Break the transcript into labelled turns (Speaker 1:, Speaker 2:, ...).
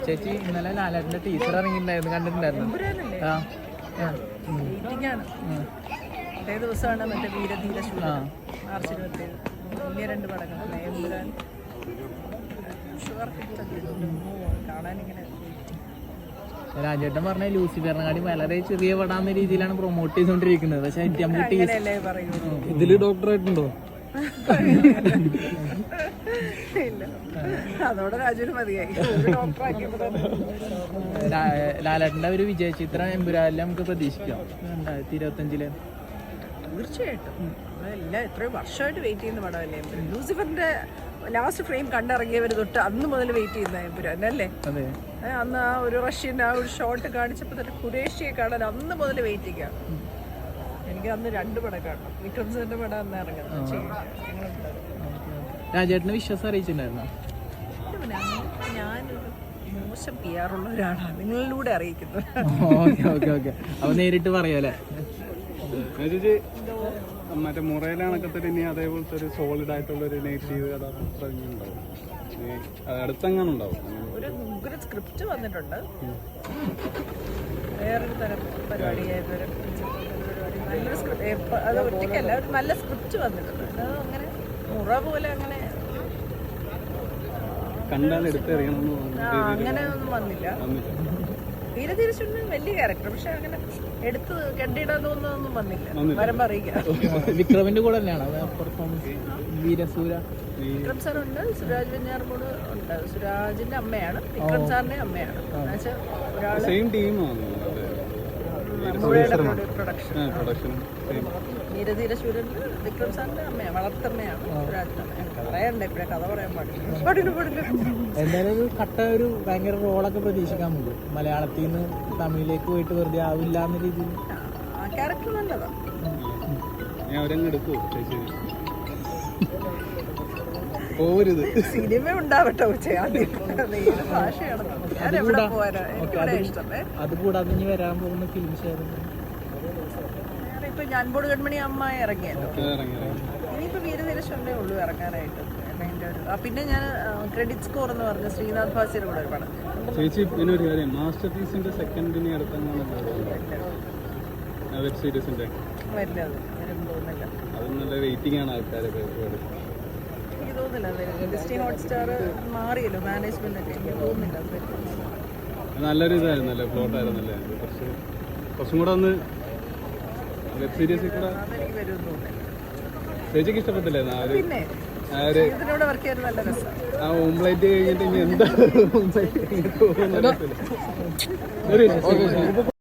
Speaker 1: ചേച്ചി ഇന്നലെ ലാലേട്ടന്റെ ടീച്ചർ ഇറങ്ങിയിട്ടുണ്ടായിരുന്നു, കണ്ടിട്ടുണ്ടായിരുന്നു?
Speaker 2: അതേ ദിവസമാണ് മറ്റേ വീരധീര ശൂരം മാർച്ച് 27 വലിയ 2 പടങ്ങളല്ലേ എമ്പുരാൻ. കാണാനിങ്ങനെ
Speaker 1: രാജേട്ടൻ പറഞ്ഞ ലൂസിഫറിനെക്കാട്ടി വളരെ ചെറിയ പടാന്ന രീതിയിലാണ് പ്രൊമോട്ട് ചെയ്തോണ്ടിരിക്കുന്നത്. പക്ഷെ
Speaker 2: ഇതില്
Speaker 1: ഡോക്ടറായിട്ടുണ്ടോ?
Speaker 2: അതോടെ രാജുവിന് മതിയായി.
Speaker 1: ലാലേട്ടന്റെ ഒരു വിജയ ചിത്രം എമ്പുരാനിൽ നമുക്ക് പ്രതീക്ഷിക്കാം 2025.
Speaker 2: തീർച്ചയായിട്ടും എല്ലാം എത്രയോ വർഷമായിട്ട് വെയിറ്റ് ചെയ്യുന്ന പടമല്ലേ ലൂസിഫറിന്റെ ലാസ്റ്റ് ഫ്രെയിം കണ്ടിറങ്ങിയവർ തൊട്ട് അന്ന് മുതൽ വെയിറ്റ് ചെയ്യുന്ന എമ്പുരാൻ അല്ലേ. അന്ന് ആ ഒരു റഷ്യൻ ആ ഒരു ഷോട്ട് കാണിച്ചപ്പോൾ തന്നെ ഖുറേഷിയെ കാണാൻ അന്ന് മുതൽ വെയിറ്റ് ചെയ്യാം. എനിക്ക് അന്ന് 2 പടം കാണണം. വിക്രം സാറിന്റെ പടം അന്ന് ഇറങ്ങുന്നത്.
Speaker 1: രാജേട്ടന് വിശ്വാസം അറിയിച്ചിട്ടുണ്ടായിരുന്നോ?
Speaker 2: ഞാനൊരു മോശം PR ഉള്ള ഒരാളാണ്, നിങ്ങളിലൂടെ അറിയിക്കുന്നത്.
Speaker 1: അപ്പൊ നേരിട്ട് പറയാല്ലേ.
Speaker 3: മറ്റേ മുറയിലാണൊക്കെ ഇനി അതേപോലത്തെ ഒരു സോളിഡ് ആയിട്ടുള്ള ഒരു നെഗറ്റീവ് കഥാപാത്രം അടുത്തെങ്ങനെ ഉണ്ടാവും?
Speaker 2: ഒരു ഉഗ്ര സ്ക്രിപ്റ്റ് വന്നിട്ടുണ്ട്. വേറൊരു തരം പരിപാടിയായിരുന്നു. നല്ലൊരു സ്ക്രിപ്റ്റ്, അത് ഒറ്റയ്ക്കല്ല, ഒരു നല്ല സ്ക്രിപ്റ്റ് വന്നിട്ടുണ്ട്. അത് അങ്ങനെ മുറ പോലെ അങ്ങനെ
Speaker 3: കണ്ടാൽ എടുത്തെറിയണമെന്ന്
Speaker 2: അങ്ങനെ ഒന്നും വന്നില്ല. വീരധീരശൂരന് വലിയ ക്യാരക്ടർ, പക്ഷെ അങ്ങനെ എടുത്ത് കണ്ടിടാൻ തോന്നുന്നൊന്നും വന്നില്ല. വരുമ്പോ അറിയിക്കാം.
Speaker 1: വിക്രമിന്റെ കൂടെ തന്നെയാണ് പെർഫോമൻസ്. വീരസൂര
Speaker 2: വിക്രം സാറുണ്ട്, സുരാജ് വെഞ്ഞാറമൂട് ഉണ്ട്. സുരാജിന്റെ അമ്മയാണ്, വിക്രം സാറിന്റെ അമ്മയാണ്. എന്നുവെച്ചാൽ പ്രൊഡക്ഷൻ വീരധീരശൂരന് വിക്രം സാറിന്റെ അമ്മയാണ്, വളർത്തമ്മയാണ് സുരാജിന്റെ അമ്മയാണ്. പറയണ്ട ഇപ്പഴേ കഥ പറയാൻ പാടില്ല.
Speaker 1: എന്തായാലും ഒരു കട്ട ഒരു ഭയങ്കര റോളൊക്കെ പ്രതീക്ഷിക്കാൻ പറ്റും. മലയാളത്തിൽ നിന്ന് തമിഴിലേക്ക് പോയിട്ട് വെറുതെ ആവില്ല എന്ന രീതിയിൽ
Speaker 2: ആ ക്യാരക്ടർ നല്ലതാണ്. സിനിമ ഉണ്ടാവട്ടെ. ഭാഷയാണ് ഞാൻ എവിടെ പോരാ, എനിക്കിവിടെ ഇഷ്ടമേ.
Speaker 1: അതുകൂടാതെ ഇനി വരാൻ പോകുന്ന ഫിലിംസ്
Speaker 2: ഇപ്പൊ ഞാൻപോട് കൺമണി അമ്മ ഇറങ്ങിയല്ലോ. ഇനിയിപ്പോ വീരധീരശൂരനേ ഉള്ളൂ ഇറങ്ങാനായിട്ട്. പിന്നെ ഞാൻ ക്രെഡിറ്റ് സ്കോർ എന്ന് പറഞ്ഞ ശ്രീനാഥ് ഭാസിയുടെ കൂടെ ഒരു പടം.
Speaker 3: ചേച്ചി പിന്നെ ഒരു കാര്യം, മാസ്റ്റർ പീസിന്റെ സെക്കൻഡിനെ അടുത്താണ് വെബ് സീരീസിന്റെ
Speaker 2: വരുന്നത്. വരും തോന്നുന്നില്ല,
Speaker 3: അത് നല്ല വെയിറ്റിംഗ് ആണ് ആൾക്കാരൊക്കെ.
Speaker 2: എനിക്ക് തോന്നുന്നില്ല. ഡിസ്നി ഹോട്ട്സ്റ്റാർ മാറിയല്ലോ മാനേജ്മെന്റ് ഒക്കെ, എനിക്ക് തോന്നുന്നില്ല.
Speaker 3: നല്ലൊരു ഇതായിരുന്നല്ലേ, പ്ലോട്ട് ആയിരുന്നല്ലേ. കുറച്ചും കൂടെ ഒന്ന് വെബ് സീരീസിൽ കൂടെ
Speaker 2: അതെനിക്ക് വരുമെന്ന് തോന്നുന്നില്ല.
Speaker 3: ചേച്ചിക്ക് ഇഷ്ടപ്പെട്ടില്ലേ?
Speaker 2: പിന്നെ ഇതിനോട് വർക്ക് ചെയ്യാൻ നല്ല രസമാണ്.
Speaker 3: ആ ഓംപ്ലേറ്റ് കഴിഞ്ഞിട്ട് ഇനി എന്താ